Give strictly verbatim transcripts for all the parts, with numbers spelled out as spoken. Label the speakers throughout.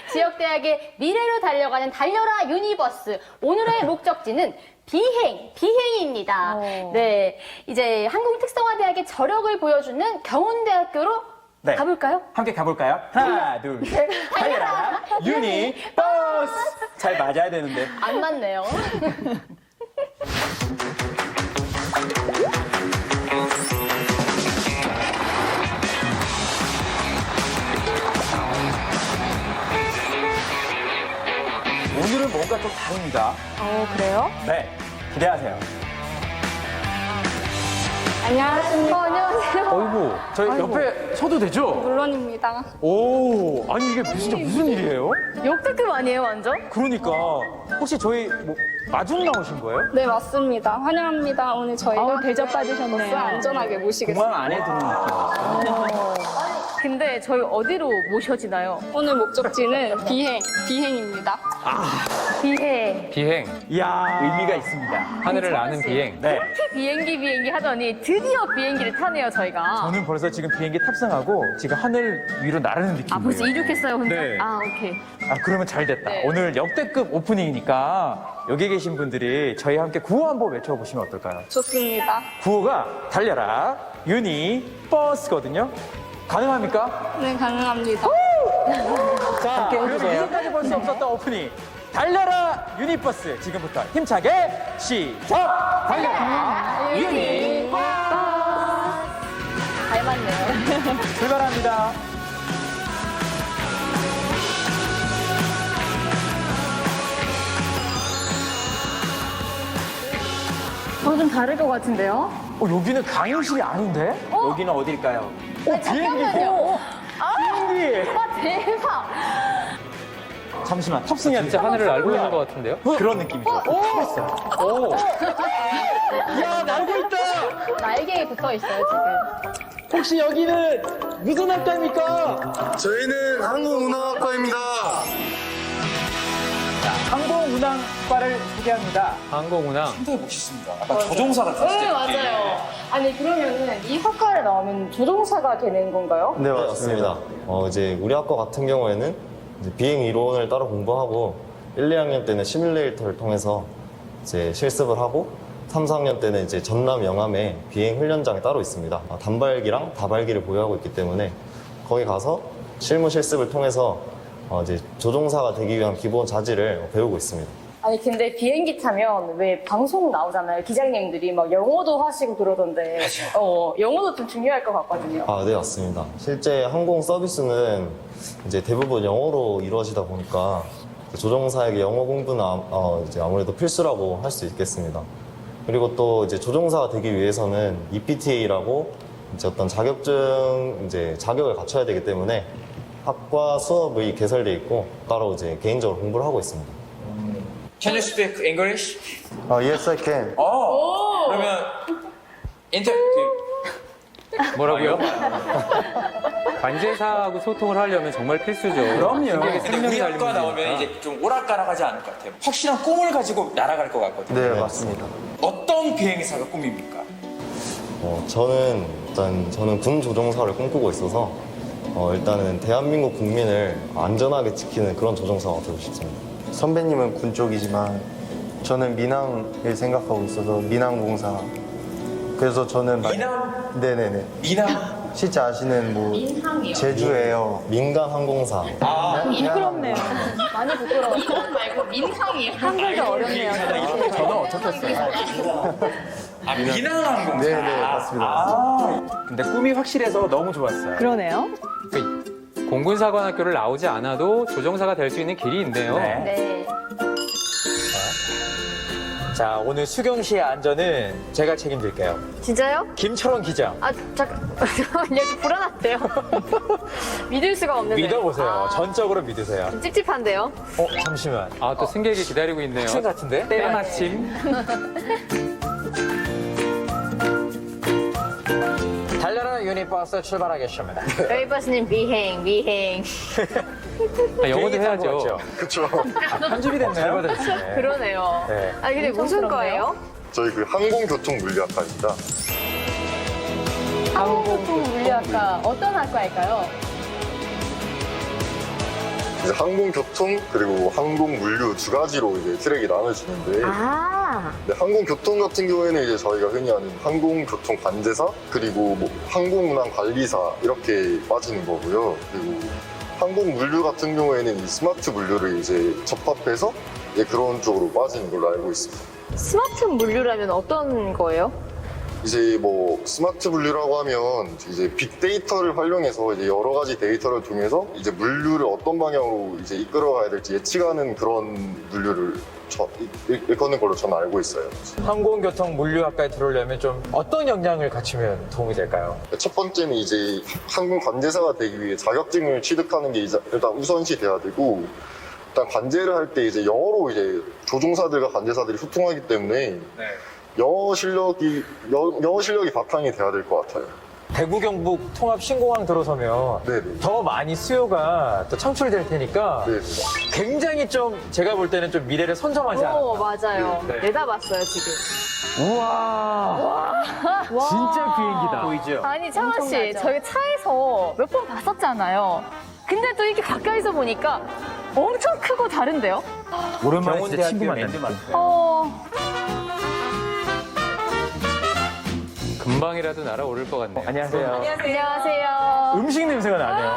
Speaker 1: 지역대학의 미래로 달려가는 달려라 유니버스. 오늘의 목적지는 비행, 비행입니다.
Speaker 2: 어.
Speaker 1: 네, 이제 한국특성화대학의 저력을 보여주는 경운대학교로
Speaker 3: 네.
Speaker 1: 가볼까요?
Speaker 3: 함께 가볼까요? 하나, 둘, 셋. 달려라! 유니 버스! 잘 맞아야 되는데.
Speaker 1: 안 맞네요.
Speaker 3: 오늘은 뭔가 좀 다릅니다.
Speaker 2: 어, 그래요?
Speaker 3: 네, 기대하세요.
Speaker 2: 안녕하십니까.
Speaker 1: 어, 안녕하세요.
Speaker 3: 어이구, 저희
Speaker 2: 아이고.
Speaker 3: 옆에 서도 되죠?
Speaker 2: 물론입니다.
Speaker 3: 오, 아니 이게 진짜 무슨 일이에요?
Speaker 1: 역대급 아니에요, 완전?
Speaker 3: 그러니까 혹시 저희 뭐 마중 나오신 거예요?
Speaker 2: 네, 맞습니다. 환영합니다. 오늘 저희가
Speaker 1: 아우, 대접받으셨네요.
Speaker 2: 버스 안전하게 모시겠습니다.
Speaker 3: 공항 안에 드는 느낌이었어요.
Speaker 1: 근데 저희 어디로 모셔지나요?
Speaker 2: 오늘 목적지는 비행, 비행입니다.
Speaker 1: 비행.
Speaker 4: 비행,
Speaker 3: 이야, 의미가 있습니다.
Speaker 4: 하늘을 나는 비행.
Speaker 3: 네,
Speaker 1: 비행기 비행기 하더니 드디어 비행기를 타네요, 저희가.
Speaker 3: 저는 벌써 지금 비행기 탑승하고 지금 하늘 위로 나르는 느낌이에요.
Speaker 1: 아, 벌써 이륙했어요, 혼자?
Speaker 3: 네.
Speaker 1: 아, 오케이.
Speaker 3: 아, 그러면 잘 됐다.
Speaker 1: 네.
Speaker 3: 오늘 역대급 오프닝이니까 여기 계신 분들이 저희와 함께 구호 한번 외쳐보시면 어떨까요?
Speaker 2: 좋습니다.
Speaker 3: 구호가 달려라 유니 버스거든요. 가능합니까?
Speaker 2: 네, 가능합니다.
Speaker 3: 자, 그러면 이제까지 볼 수 없었던 오프닝 달려라 유니버스 지금부터 힘차게 시작! 달려라 유니버스
Speaker 1: 잘 맞네요.
Speaker 3: 출발합니다.
Speaker 1: 어, 좀 다를 것 같은데요?
Speaker 3: 어, 여기는 강의실이 아닌데? 여기는 어딜까요? 어, 비행기!
Speaker 1: 잠깐만요.
Speaker 3: 어, 비행기!
Speaker 1: 와, 대박!
Speaker 3: 잠시만, 탑승해야 돼.
Speaker 4: 진짜 하늘을 날고 있는 것 같은데요?
Speaker 3: 그런 느낌이죠. 탔어요.
Speaker 4: 오!
Speaker 3: 야, 날고 있다!
Speaker 1: 날개에 붙어 있어요, 지금.
Speaker 3: 혹시 여기는 무슨 학과입니까?
Speaker 5: 저희는 한국운항학과입니다.
Speaker 3: 항공운항과를 소개합니다.
Speaker 4: 항공운항.
Speaker 3: 상당히 멋있습니다. 아까 조종사가
Speaker 1: 네, 맞아요. 아니, 그러면은 이 학과를 나오면 조종사가 되는 건가요?
Speaker 5: 네, 맞습니다. 어, 이제 우리 학과 같은 경우에는 이제 비행 이론을 따로 공부하고 일, 이 학년 때는 시뮬레이터를 통해서 이제 실습을 하고 삼, 사 학년 때는 이제 전남 영암에 비행 훈련장이 따로 있습니다. 아, 단발기랑 다발기를 보유하고 있기 때문에 거기 가서 실무 실습을 통해서 어, 이제 조종사가 되기 위한 기본 자질을 배우고 있습니다.
Speaker 1: 아니, 근데 비행기 타면 왜 방송 나오잖아요. 기장님들이 막 영어도 하시고 그러던데. 어, 영어도 좀 중요할 것 같거든요.
Speaker 5: 아, 네, 맞습니다. 실제 항공 서비스는 이제 대부분 영어로 이루어지다 보니까 조종사에게 영어 공부는 아, 어, 이제 아무래도 필수라고 할 수 있겠습니다. 그리고 또 이제 조종사가 되기 위해서는 이피티에이라고 이제 어떤 자격증 이제 자격을 갖춰야 되기 때문에 학과 수업이 개설돼 있고 따로 이제 개인적으로 공부를 하고 있습니다.
Speaker 6: Can you speak English?
Speaker 5: 어, yes, I can.
Speaker 6: 어. 그러면 인터
Speaker 4: 뭐라고요? 관제사하고 소통을 하려면 정말 필수죠.
Speaker 3: 그럼요.
Speaker 4: 승객의
Speaker 6: 근데
Speaker 4: 생명이
Speaker 6: 우리
Speaker 4: 달린
Speaker 6: 학과 나오면
Speaker 4: 문제니까.
Speaker 6: 이제 좀 오락가락하지 않을 것 같아요. 확실한 꿈을 가지고 날아갈 것 같거든요.
Speaker 5: 네, 맞습니다.
Speaker 6: 어떤 비행사가 꿈입니까?
Speaker 5: 어, 저는 일단 저는 군 조종사를 꿈꾸고 있어서 어, 일단은 대한민국 국민을 안전하게 지키는 그런 조종사가 되고 싶습니다.
Speaker 7: 선배님은 군 쪽이지만 저는 민항을 생각하고 있어서 민항공사. 그래서 저는 막-
Speaker 6: 미남?
Speaker 7: 네네네.
Speaker 6: 미남?
Speaker 7: 실제 아시는 뭐
Speaker 1: 민항이요?
Speaker 7: 제주에어.
Speaker 5: 민간 항공사.
Speaker 6: 아,
Speaker 1: 부끄럽네요. 많이 부끄러워요. 민항 말고 민항이에요. 한글도 어렵네요.
Speaker 3: 저는 어떻겠어요?
Speaker 6: 아 미남 항공사.
Speaker 7: 네네, 맞습니다.
Speaker 3: 아, 근데 꿈이 확실해서 너무 좋았어요.
Speaker 2: 그러네요.
Speaker 4: 그 공군사관학교를 나오지 않아도 조종사가 될 수 있는 길이 있네요.
Speaker 3: 네.
Speaker 1: 네.
Speaker 3: 자, 오늘 수경 씨의 안전은 제가 책임질게요.
Speaker 1: 진짜요?
Speaker 3: 김철원 기자.
Speaker 1: 아, 잠깐. 잠깐만요. 좀 불안한데요. 믿을 수가 없는데.
Speaker 3: 믿어보세요.
Speaker 1: 아,
Speaker 3: 전적으로 믿으세요.
Speaker 1: 좀 찝찝한데요?
Speaker 3: 어, 잠시만.
Speaker 4: 아, 또 승객이 기다리고 있네요.
Speaker 3: 학생 같은데?
Speaker 1: 네,
Speaker 4: 때마침.
Speaker 3: 달려라 유니버스 출발하겠습니다.
Speaker 1: 여기버스님 비행, 비행.
Speaker 4: 아, 영어도 해야죠.
Speaker 5: 그렇죠.
Speaker 3: 편집이 됐네요. 네.
Speaker 1: 그러네요.
Speaker 3: 네.
Speaker 1: 아, 근데 무슨 부럽네요. 거예요?
Speaker 5: 저희 그 항공교통물리학과입니다.
Speaker 1: 항공교통물리학과 어떤 학과일까요?
Speaker 8: 이제 항공교통 그리고 항공물류 두 가지로 이제 트랙이 나눠지는데
Speaker 1: 아,
Speaker 8: 네, 항공교통 같은 경우에는 이제 저희가 흔히 아는 항공교통 관제사 그리고 뭐 항공운항관리사 이렇게 빠지는 거고요. 그리고 항공물류 같은 경우에는 이 스마트 물류를 이제 접합해서 이제 그런 쪽으로 빠지는 걸로 알고 있습니다.
Speaker 1: 스마트 물류라면 어떤 거예요?
Speaker 8: 이제 뭐 스마트 물류라고 하면 이제 빅데이터를 활용해서 이제 여러 가지 데이터를 통해서 이제 물류를 어떤 방향으로 이제 이끌어가야 될지 예측하는 그런 물류를 저, 일, 일컫는 걸로 저는 알고 있어요.
Speaker 3: 항공교통 물류학과에 들어오려면 좀 어떤 역량을 갖추면 도움이 될까요?
Speaker 8: 첫 번째는 이제 항공 관제사가 되기 위해 자격증을 취득하는 게 이제 일단 우선시 돼야 되고, 일단 관제를 할 때 이제 영어로 이제 조종사들과 관제사들이 소통하기 때문에 영어 실력이 여- 영어 실력이 바탕이 돼야 될 것 같아요.
Speaker 3: 대구 경북 통합 신공항 들어서면
Speaker 8: 네네.
Speaker 3: 더 많이 수요가 또 창출될 테니까
Speaker 8: 네.
Speaker 3: 굉장히 좀 제가 볼 때는 좀 미래를 선점하지 않았나.
Speaker 1: 오, 맞아요.
Speaker 3: 네.
Speaker 1: 내다봤어요, 지금.
Speaker 3: 우와. 진짜 비행기다. 보이죠?
Speaker 1: 아니, 창아 씨,
Speaker 2: 엄청나죠?
Speaker 1: 저희 차에서 몇 번 봤었잖아요. 근데 또 이렇게 가까이서 보니까 엄청 크고 다른데요?
Speaker 3: 오랜만에 진짜 친구 만났네.
Speaker 1: 어,
Speaker 4: 금방이라도 날아오를 것 같네요.
Speaker 3: 안녕하세요.
Speaker 1: 안녕하세요.
Speaker 3: 음식 냄새가 나네요.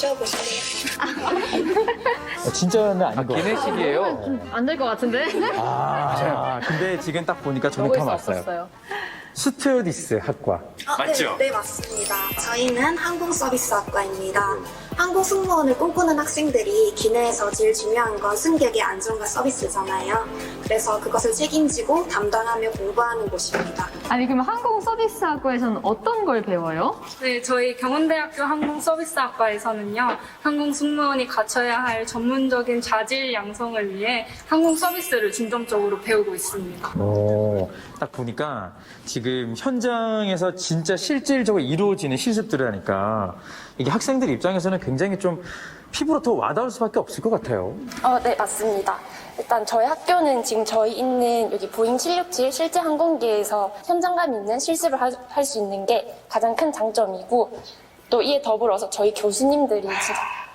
Speaker 9: 드셔보실래요?
Speaker 3: 진짜는 아닌 것 같아요.
Speaker 4: 기내식이에요.
Speaker 1: 안 될 것 같은데?
Speaker 3: 아, 근데 지금 딱 보니까 저는
Speaker 1: 먹을
Speaker 3: 다
Speaker 1: 수
Speaker 3: 왔어요.
Speaker 1: 없었어요.
Speaker 3: 스튜어디스 학과.
Speaker 9: 어,
Speaker 6: 맞죠?
Speaker 9: 네, 네, 맞습니다. 저희는 항공서비스학과입니다. 항공 승무원을 꿈꾸는 학생들이 기내에서 제일 중요한 건 승객의 안전과 서비스잖아요. 그래서 그것을 책임지고 담당하며 공부하는 곳입니다.
Speaker 1: 아니, 그럼 항공 서비스 학과에서는 어떤 걸 배워요?
Speaker 2: 네, 저희 경운대학교 항공서비스학과에서는요, 항공 승무원이 갖춰야 할 전문적인 자질 양성을 위해 항공 서비스를 중점적으로 배우고 있습니다.
Speaker 3: 오, 딱 보니까 지금 현장에서 진짜 실질적으로 이루어지는 실습들을 하니까 이게 학생들 입장에서는 굉장히 좀 피부로 더 와닿을 수밖에 없을 것 같아요.
Speaker 10: 어, 네, 맞습니다. 일단 저희 학교는 지금 저희 있는 여기 보잉 칠육칠 실제 항공기에서 현장감 있는 실습을 할 수 있는 게 가장 큰 장점이고, 또 이에 더불어서 저희 교수님들이 진짜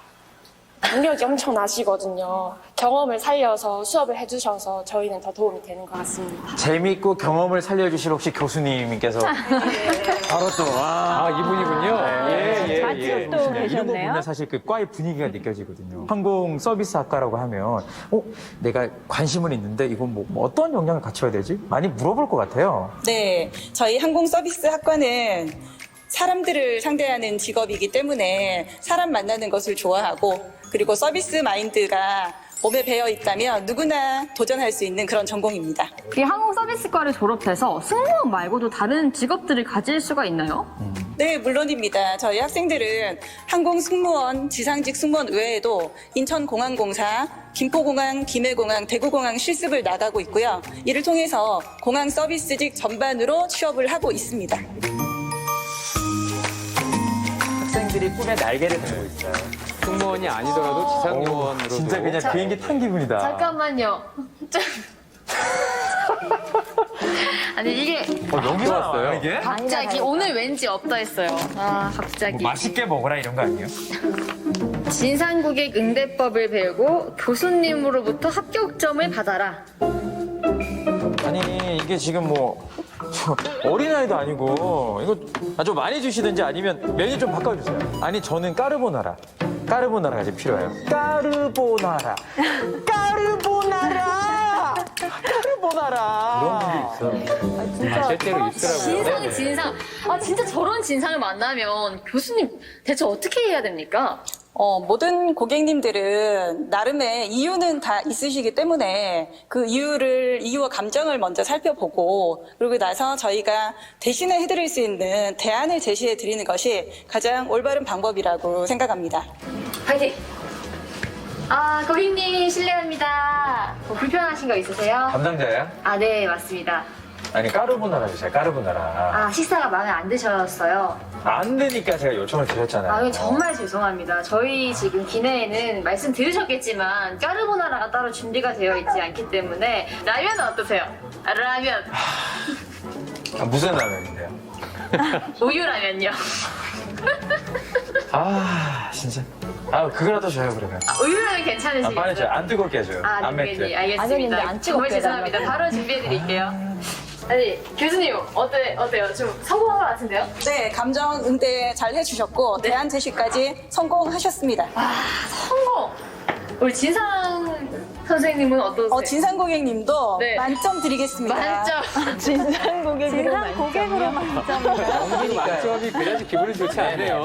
Speaker 10: 능력이 엄청 나시거든요. 경험을 살려서 수업을 해주셔서 저희는 더 도움이 되는 것 같습니다.
Speaker 3: 재미있고 경험을 살려주실 혹시 교수님께서 바로 또 와.
Speaker 4: 아, 이분이군요. 예, 예, 예.
Speaker 1: 맞죠, 또.
Speaker 3: 네, 이런 거
Speaker 1: 계셨네요?
Speaker 3: 보면 사실 그 과의 분위기가 느껴지거든요. 항공 서비스 학과라고 하면, 어, 내가 관심은 있는데 이건 뭐, 뭐 어떤 역량을 갖춰야 되지? 많이 물어볼 것 같아요.
Speaker 11: 네, 저희 항공서비스 학과는 사람들을 상대하는 직업이기 때문에 사람 만나는 것을 좋아하고, 그리고 서비스 마인드가 몸에 배어 있다면 누구나 도전할 수 있는 그런 전공입니다.
Speaker 1: 이 항공 서비스과를 졸업해서 승무원 말고도 다른 직업들을 가질 수가 있나요?
Speaker 11: 네, 물론입니다. 저희 학생들은 항공 승무원, 지상직 승무원 외에도 인천공항공사, 김포공항, 김해공항, 대구공항 실습을 나가고 있고요. 이를 통해서 공항 서비스직 전반으로 취업을 하고 있습니다.
Speaker 3: 학생들이 꿈에 날개를 달고 있어요.
Speaker 4: 승무원이 아니더라도 지상요원으로도.
Speaker 3: 진짜 그냥 비행기 탄 기분이다.
Speaker 1: 잠깐만요. 좀- 아니, 이게
Speaker 3: 어, 여기서
Speaker 4: 왔어요?
Speaker 3: 나와요, 이게?
Speaker 1: 갑자기 오늘 왠지 없다 했어요. 아, 갑자기.
Speaker 3: 뭐 맛있게 먹어라 이런 거 아니에요?
Speaker 1: 진상고객 응대법을 배우고 교수님으로부터 합격점을 받아라.
Speaker 3: 아니 이게 지금 뭐 어린아이도 아니고 이거 아주 많이 주시든지 아니면 메뉴 좀 바꿔주세요. 아니 저는 까르보나라 까르보나라가 지금 필요해요. 까르보나라 까르보나라 까르보나라
Speaker 4: 이런 분도 있어. 아, 실제로 있더라고요.
Speaker 1: 진상이 진상. 아, 진짜 저런 진상을 만나면 교수님 대체 어떻게 해야 됩니까?
Speaker 11: 어, 모든 고객님들은 나름의 이유는 다 있으시기 때문에 그 이유를, 이유와 감정을 먼저 살펴보고, 그러고 나서 저희가 대신에 해드릴 수 있는 대안을 제시해 드리는 것이 가장 올바른 방법이라고 생각합니다.
Speaker 1: 파이팅! 아, 고객님 실례합니다. 뭐 불편하신 거 있으세요?
Speaker 3: 담당자야?
Speaker 1: 아, 네, 맞습니다.
Speaker 3: 아니 까르보나라 주세요. 까르보나라.
Speaker 1: 아, 식사가 마음에 안 드셨어요.
Speaker 3: 안 되니까 제가 요청을 드렸잖아요.
Speaker 1: 아, 정말 죄송합니다. 저희 지금 기내에는 말씀 들으셨겠지만 까르보나라가 따로 준비가 되어 있지 않기 때문에 라면은 어떠세요? 아, 라면.
Speaker 3: 아, 무슨 라면인데요?
Speaker 1: 우유 라면요.
Speaker 3: 아 진짜 아, 그거라도 줘요, 그러면.
Speaker 1: 아, 우유는 괜찮으시겠어요?
Speaker 3: 아, 빠르죠. 안 뜨겁게 해줘요.
Speaker 1: 아,
Speaker 3: 안
Speaker 1: 네, 네,
Speaker 3: 맵게.
Speaker 1: 알겠습니다.
Speaker 10: 안 뜨겁게
Speaker 1: 정말 죄송합니다. 바로 준비해드릴게요. 아니, 교수님, 어때, 어때요? 좀 성공한 것 같은데요?
Speaker 11: 네, 감정 응대 잘 해주셨고
Speaker 1: 네.
Speaker 11: 대안 제시까지 성공하셨습니다.
Speaker 1: 성공! 우리 진상 선생님은 어떠세요?
Speaker 11: 어, 진상 고객님도
Speaker 1: 네.
Speaker 11: 만점 드리겠습니다.
Speaker 1: 만점!
Speaker 10: 진상 고객으로
Speaker 11: 진상 고객으로 만점이요.
Speaker 4: 만점이 그래야지 기분이 좋지 않네요.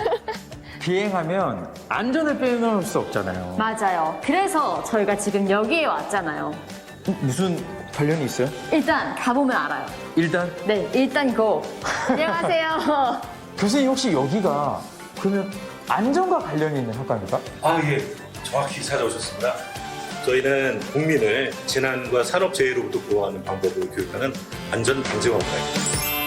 Speaker 3: 비행하면 안전을 빼놓을 수 없잖아요.
Speaker 1: 맞아요. 그래서 저희가 지금 여기에 왔잖아요.
Speaker 3: 무슨 관련이 있어요?
Speaker 1: 일단 가보면 알아요.
Speaker 3: 일단
Speaker 1: 네, 일단 고! 안녕하세요.
Speaker 3: 교수님 혹시 여기가 그러면 안전과 관련이 있는 학과입니까?
Speaker 12: 아, 예. 정확히 찾아오셨습니다. 저희는 국민을 재난과 산업재해로부터 보호하는 방법을 교육하는 안전방재학과입니다.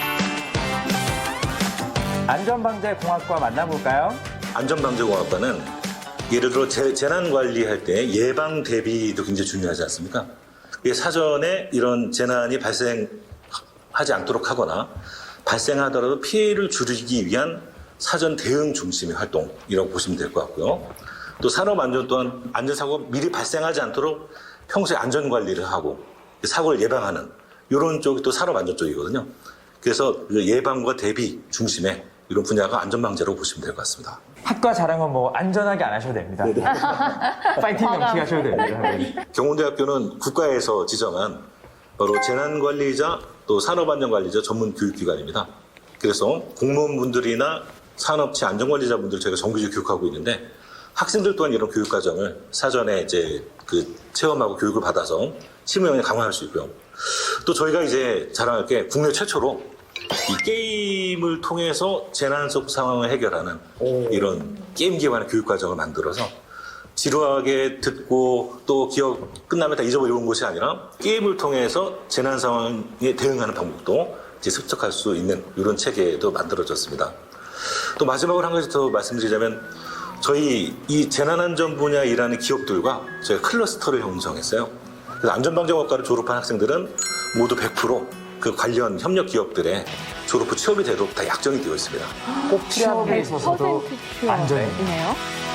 Speaker 3: 안전방재공학과 만나볼까요?
Speaker 12: 안전방재공학과는 예를 들어 재, 재난 관리할 때 예방 대비도 굉장히 중요하지 않습니까? 이게 사전에 이런 재난이 발생하지 않도록 하거나 발생하더라도 피해를 줄이기 위한 사전 대응 중심의 활동이라고 보시면 될 것 같고요. 또 산업안전 또한 안전사고가 미리 발생하지 않도록 평소에 안전관리를 하고 사고를 예방하는 이런 쪽이 또 산업안전 쪽이거든요. 그래서 그 예방과 대비 중심의 이런 분야가 안전방재라고 보시면 될 것 같습니다.
Speaker 3: 학과 자랑은 뭐 안전하게 안 하셔도 됩니다. 파이팅 명칭하셔도 됩니다.
Speaker 12: 경운대학교는 국가에서 지정한 바로 재난관리자 또 산업안전관리자 전문 교육기관입니다. 그래서 공무원분들이나 산업체 안전관리자분들 저희가 정규직으로 교육하고 있는데 학생들 또한 이런 교육 과정을 사전에 이제 그 체험하고 교육을 받아서 실무 역량을 강화할 수 있고요. 또 저희가 이제 자랑할 게 국내 최초로 이 게임을 통해서 재난 속 상황을 해결하는 이런 게임 기반의 교육 과정을 만들어서 지루하게 듣고 또 기억 끝나면 다 잊어버리는 것이 아니라 게임을 통해서 재난 상황에 대응하는 방법도 이제 습득할 수 있는 이런 체계도 만들어졌습니다. 또 마지막으로 한 가지 더 말씀드리자면 저희 이 재난안전 분야에 일하는 기업들과 저희가 클러스터를 형성했어요. 그래서 안전방재학과를 졸업한 학생들은 모두 백 퍼센트 그 관련 협력 기업들의 졸업 후 취업이 되도록 다 약정이 되어 있습니다.
Speaker 3: 꼭 필요한 게 있어서도 안전이네요.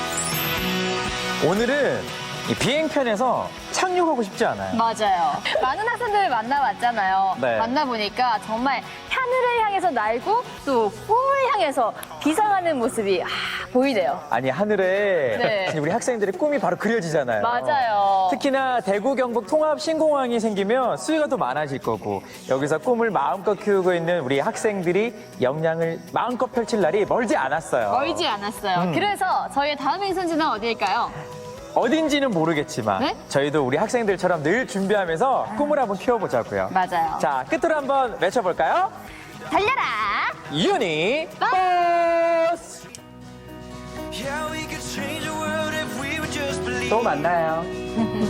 Speaker 3: 오늘은 이 비행편에서 착륙하고 싶지 않아요.
Speaker 1: 맞아요. 많은 학생들을 만나봤잖아요.
Speaker 3: 네.
Speaker 1: 만나보니까 정말 하늘을 향해서 날고 또 꿈을 향해서 비상하는 모습이 아, 보이네요.
Speaker 3: 아니 하늘에
Speaker 1: 네.
Speaker 3: 우리 학생들의 꿈이 바로 그려지잖아요.
Speaker 1: 맞아요.
Speaker 3: 특히나 대구 경북 통합 신공항이 생기면 수요가 더 많아질 거고 여기서 꿈을 마음껏 키우고 있는 우리 학생들이 역량을 마음껏 펼칠 날이 멀지 않았어요.
Speaker 1: 멀지 않았어요.
Speaker 3: 음.
Speaker 1: 그래서 저희의 다음 행선지는 어디일까요?
Speaker 3: 어딘지는 모르겠지만
Speaker 1: 네?
Speaker 3: 저희도 우리 학생들처럼 늘 준비하면서 꿈을 한번 키워보자고요.
Speaker 1: 맞아요.
Speaker 3: 자, 끝으로 한번 외쳐볼까요?
Speaker 1: 달려라!
Speaker 3: 유니 버스! 또 만나요.